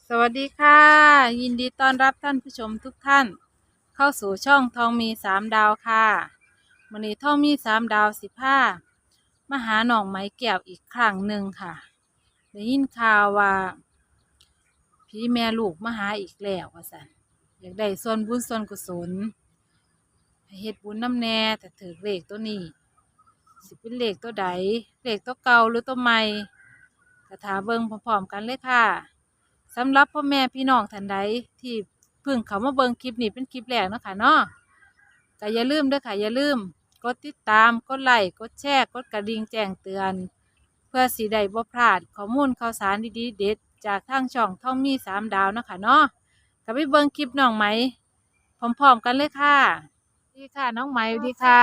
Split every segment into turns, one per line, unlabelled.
สวัสดีค่ะยินดีต้อนรับท่านผู้ชมทุกท่านเข้าสู่ช่องทองมีสามดาวค่ะวันนี้ทองมีสามดาว15มาหาหนองไม้แก้วอีกครั้งหนึ่งค่ะได้ยินข่าวว่าพี่แม่ลูกมาหาอีกแล้วว่าสันอยากได้ส่วนบุญส่วนกุศลให้เฮ็ดบุญน้ำแน่แต่ถือเลขตัวนี้สิเป็นเลขตัวใดเลขตัวเก่าหรือตัวใหม่กระถาเบิ่งพร้อมๆกันเลยค่ะ สำหรับพ่อแม่พี่น้องท่านใดที่เพิ่งเขามาเบิ่งคลิปนี้เป็นคลิปแรกเนาะค่ะเนาะก็อย่าลืมเด้อค่ะอย่าลืมกดติดตามกดไลค์กดแชร์กดกระดิ่งแจ้งเตือนเพื่อสิได้บ่พลาดข้อมูลข่าวสารดีๆเด็ดจากทางช่องท่องมีสามดาวเนาะค่ะเนาะก็ไปเบิ่งคลิปน้องไหมพร้อมๆกันเลยค่ะดีค่ะน้องไหมดีค่ะ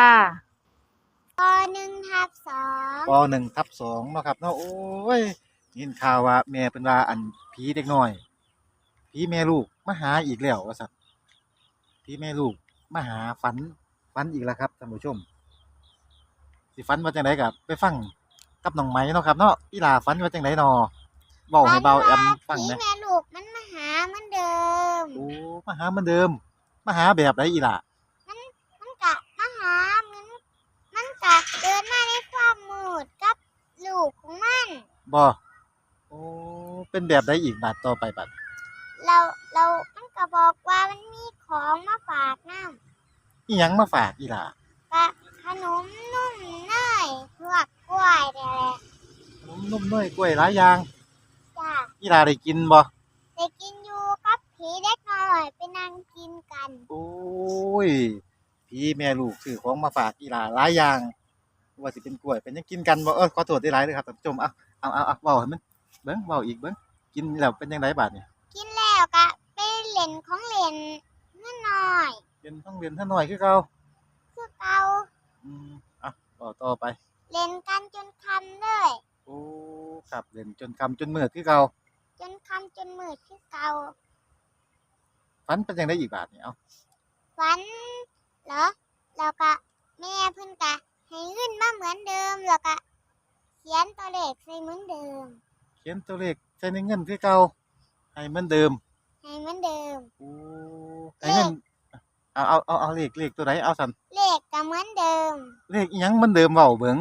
ป1ทับ2เนาะครับเนาะโอ้ยยินข่าวว่าแม่เป็นว่าอันผีเด็กน้อยผีแม่ลูกมาหาอีกแล้วว่าซั่นผีแม่ลูกมาหาฝันอีกแล้วครับท่านผู้ชมสิฝันว่าจังไดก็ไปฟังกับน้องไหมเนาะครับเนาะอีหล่าฝันว่าจังไดน้อเว้าให้เบาแอมฟัง
ผี
แหน่
แม่ลูกมันมาหาเหมือนเดิม
โอ้มาหาเหมือนเดิมมาหาแบบใดอีหล่า
มันมันกะมาหามันกะเดินมาในความมืดกับลูกของมัน
บ่โอ้เป็นแบบใดอีกบาดต่อไปบัด
เราเรามันก็บอกว่ามันมีของมาฝากน้
อิหยังมาฝากอีหล่า
ำกะขนมนุ่มเนยพวกกล้วยนี่แหละ
ขนมนมเนยกล้วยหลายอย่าง
จ้ะ
อีหล่าได้กินบ่
ได้กินอยู่กับผีเด็กน้อยไปนั่งกินกัน
โอ้ยพี่แม่ลูกซื้อของมาฝากอีหลาหลายอย่างว่าสิเป็นกล้วยเป็นหยังกินกันบ่ขอโทษได้หลายเด้อครับท่านผู้ชมเอาเว้าให้มันเบิ่งเว้าอีกเบิ่งกินแล้วเป็นจังไดบัดนี้
กินแล้วกะไปเล่นของเล่นนิดหน่อย
เป็นต้องเรียนท่าน้อยคือเก่า
คือเก่า
อืมอ่ะต่อไป
เล่นกันจนค่ำเลย
โอ้ครับเล่นจนค่ำจนมืดคือเก่า
จนค่ำจนมืดคือเก่า
ฝันเป็นจังไดอีกบาดนี้เอ้า
ฝันเหรอแล้วก็แม่เพิ่นก็ให้เงินมาเหมือนเดิมแล้วก็เขียนตัวเลขใส่เหมือนเดิม
เขียนตัวเลขใส่ในเงินคือเก่าให้เหมือนเดิม
ให้เหมือนเดิม
โอ้ให้
เล
เงิน
ข
เอาเลขตัวใดเอาสั่น
เลขก็เหมือนเดิม
เลขอิหยังเหมือนเดิมเว้าเบิ่ง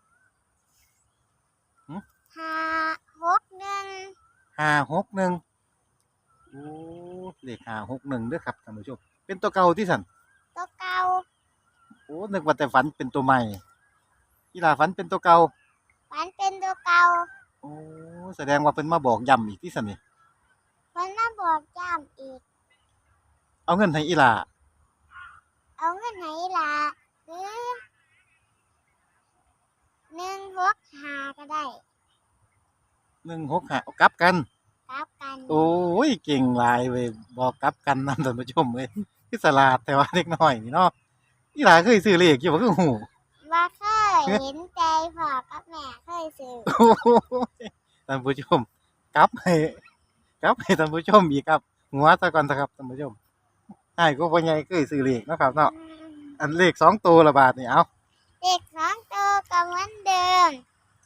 หึ
561
561โอ้เลข561เด้อครับท่านผู้ชมเป็นตัวเก่าติสั่น
ตัวเก่า
โอ้นึกว่าแต่ฝันเป็นตัวใหม่อีหล่าฝันเป็นตัวเก่า
ฝันเป็นตัวเก่า
โอ้แสดงว่าเพิ่นมาบอกย้ำอีกติสั่นนี่
เพิ่นมาบอกย้ำอีก
เอาเงินให้อีหล่า
เอาเงินให้ล่ะคือ165ก็ได้
165เอากลับกัน
กลับกัน
โอ้ยเก่งหลายเว้ยบอกกลับกันนำท่านผู้ชมเอ้ยคือฉลาดแต่ว่าเด็กน้อยนี่เนาะอีหล่าเคยซื้อเลขอยู่บ่คือฮู้
ว่าเคยเห็นใจพ่อกับแม่เคยซื้อ
โอ้ยท่านผู้ชมกลับให้กลับให้ท่านผู้ชมอีกครับหัวซะก่อนเถอะครับท่านผู้ชมอ้ายก็พ่อใหญ่เคยซื้อเลขเนาะครับเนาะอันเลข2ตัวละบาทนี่เอา
เด็กสองตัวก็เหมือนเดิม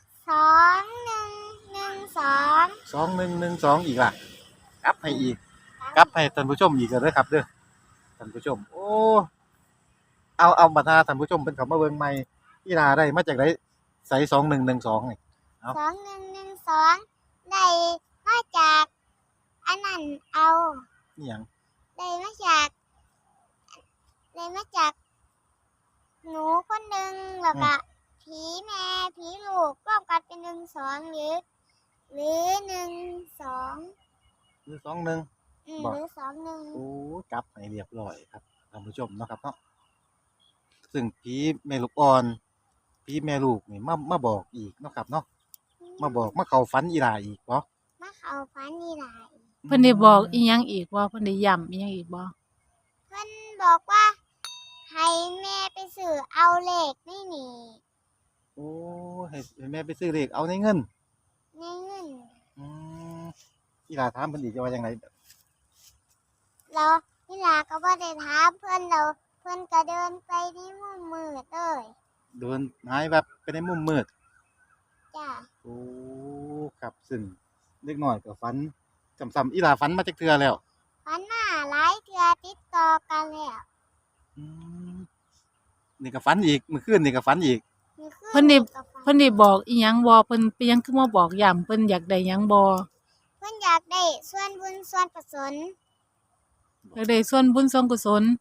2112
2112อีกล่ะกลับให้อีกกลับให้ท่านผู้ชมอีกเด้อครับเด้อท่านผู้ชมโอ้เอาบัดหาท่านผู้ชมเพิ่นเข้ามาเบิ่งใหม่อีหลาได้มาจากไดไส2112นี่เอา
2112ได้มาจากอันนั้นเอา
อิหยัง
ได้มาจากได้มาจากหนูคนหนึ่งแล้วก็ผีแม่ผีลูกรวมกันเป็น12หรือ12
หรือ21บ่
หรือ21
โอ้กลับให้เรียบร้อยครับท่านผู้ชมเนาะครับเนาะซึ่งผีแม่ลูกอ่อนผีแม่ลูกนี่มาบอกอีกเนาะครับเนาะมาบอกมาเข้าฝันอีหลาอีกบ่
มาเข้าฝันนี่ล่ะ
เพิ่นได้บอกอีหยังอีกบ่เพิ่นได้ย้ำอีหยังอีกบ่
เพิ่นบอกว่าให้แม่ไปซื้อเอาเลขในนี่
โอ้ให้แม่ไปซื้อเลขเอาในเงิน
ในเงิน
อืมอีหลาถามเพิ่นอีกว่าจังได
แล้วพี่ลาก็บ่ได้ถามเพิ่นแล้วเพิ่นก็เดินไปในมุมมืดเลย
เดินหายแวบไปในมุมมืด
จ้ะ
โอ้ครับซึ่งเด็กน้อยก็ฝันซ้ำๆอีหลาฝันมาจักเทื่อแล้ว
ฝันมาหลายเทื่อติดต่อกันแล้ว
อืมนี่ก็ฝันอีกเมื่อคืนนี่ก็ฝันอีก
มื้อคื
เพิ่นได้
ก็ฝัน
เพิ่นได้บอกอีหยังบ่เพิ่นเป็นหยังคือมาบอกย้ำเพิ่นอยากได้หยังบ่
เพิ่นอยากได้ส่วนบุญส่วนกุศล
อยากได้ส่วนบุญส่วนกุศล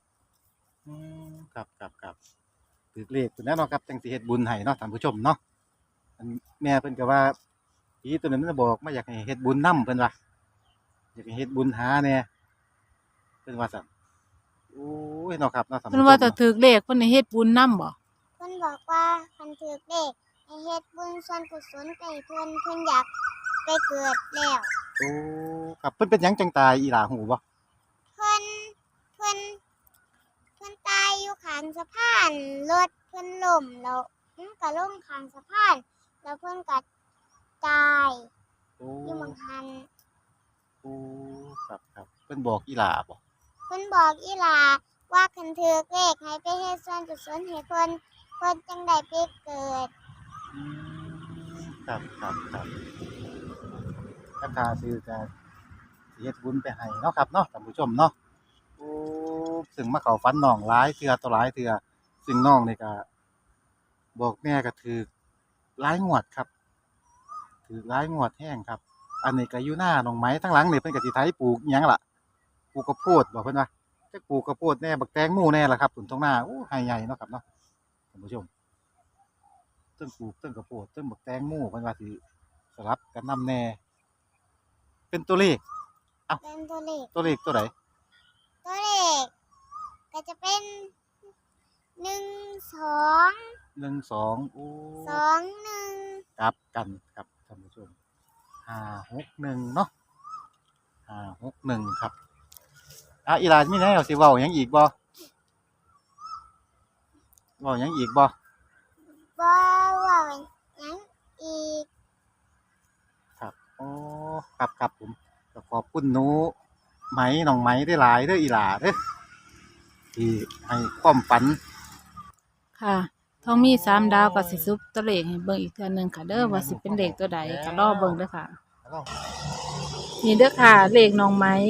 ครับถือเลขตัวนั้นเนาะครับจังสิเฮ็ดบุญให้เนาะท่านผู้ชมเนาะอันแม่เพิ่นก็ว่าผีตัวนั้นมันบอกมาอยากให้เฮ็ดบุญนํเพิ่นว่าอยากให้เฮ็ดบุญหาแหน่เพิ่นว่าซั่นโอ้ยเนาะครับเนาะท่าน
เพิ่น
ผู้ช
ว่าม ถ้า
เนาะ
ถูกเลขเพิ่นให้เฮ็ดบุญนำบ่
เพิ่นบอกว่าคันถือเลขให้เฮ็ดบุญส่วนกุศลไปเพิ่นอยากไปเกิดแล้ว
โอ้ครับเพิ่นเป็นหยังจังตายอีหลาฮู้บ่
เพิ่นเพิ่นเพิ่นตายอยู่ข้างสะพานรถเพิ่นล้มแล้วมันก็ลงข้างสะพานแล้วเพิ่นก็ตาย
โอ้
อยู่หม้องหัน
โอ้ครับเพิ่นบอกอีหลาบ่
เพิ่นบอกอีหลาว่าคันถือเลขให้ไปเฮ็ดส่วนกุศลให้เพิ่นจังได้ไปเกิด
อืมครับราคาซื้อก็สิเฮ็ดบุญไปให้เนาะครับเนาะท่านผู้ชมเนาะโอ้ซึ่งมาเข้าฝันน้องหลายเทื่อต่อหลายเทื่อซึ่งน้องนี่ก็บอกแม่ก็ถูกหลายงวดครับถูกหลายงวดแฮงครับ อันนี้ก็อยู่หน้าน้องไหมทั้งหลังนี่เพิ่นก็สิไถปลูกอิหยังล่ะปลูกข้าวโพดบ่เพิ่นว่าจักปลูกข้าวโพดแน่บักแตงโมแน่ล่ะครับต้นตรงหน้าโอ้ไร่ใหญ่เนาะครับเนาะท่านผู้ชมเทิงปลูกเทิงข้าวโพดเทิงบักแตงโมเพิ่นว่าสิสลับกันนำแน่ เป็นตัวเลข
เป็นตัวเลข
ตัวเลขตัวใด
ตัวเลขก็จะเป็น1 2
12โอ้
2 1
กลับกันครับท่านผู้ชม561เนาะ561ครับอีหลามีแนวสิเว้าหยังอีกบ่เว้าหยังอีกบ่
บ่เว้าหยังอีก
ครับอ๋อครับผมก็ขอบคุณหนูไหมน้องไหมได้หลายเด้ออีหลาเด้อที่ให้ความฝัน
ค่ะท้องมี3ดาวก็สิซุปตัวเลขให้เบิ่งอีกเทื่อหนึงค่ะเด้อว่าสิเป็นเลขตัวใดก็รอเบิ่งเด้อค่ะ นี่เด้อค่ะ เลขน้องไม้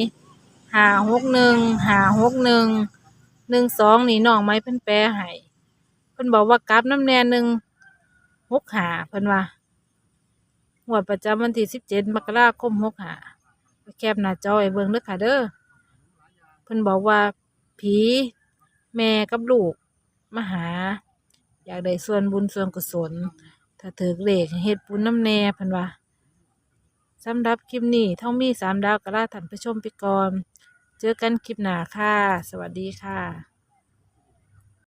561 นี่น้องไม้เพิ่นแปลให้เพิ่นบอกว่ากลับน้ำแน่165เพิ่นว่างวดประจำวันที่17 มกราคม65แคปหน้าจอไว้เบิ่งเด้อค่ะเด้อเพิ่นบอกว่าผีแม่กับลูกมาหา อยากได้ส่วนบุญส่วนกุศล ถ้าถูกเลขให้เฮ็ดบุญน้ำแน่เพิ่นว่า สำหรับคลิปนี้ท่องมี3ดาวก็ลาท่านผู้ชมไปก่อน เจอกันคลิปหน้าค่ะ สวัสดีค่ะ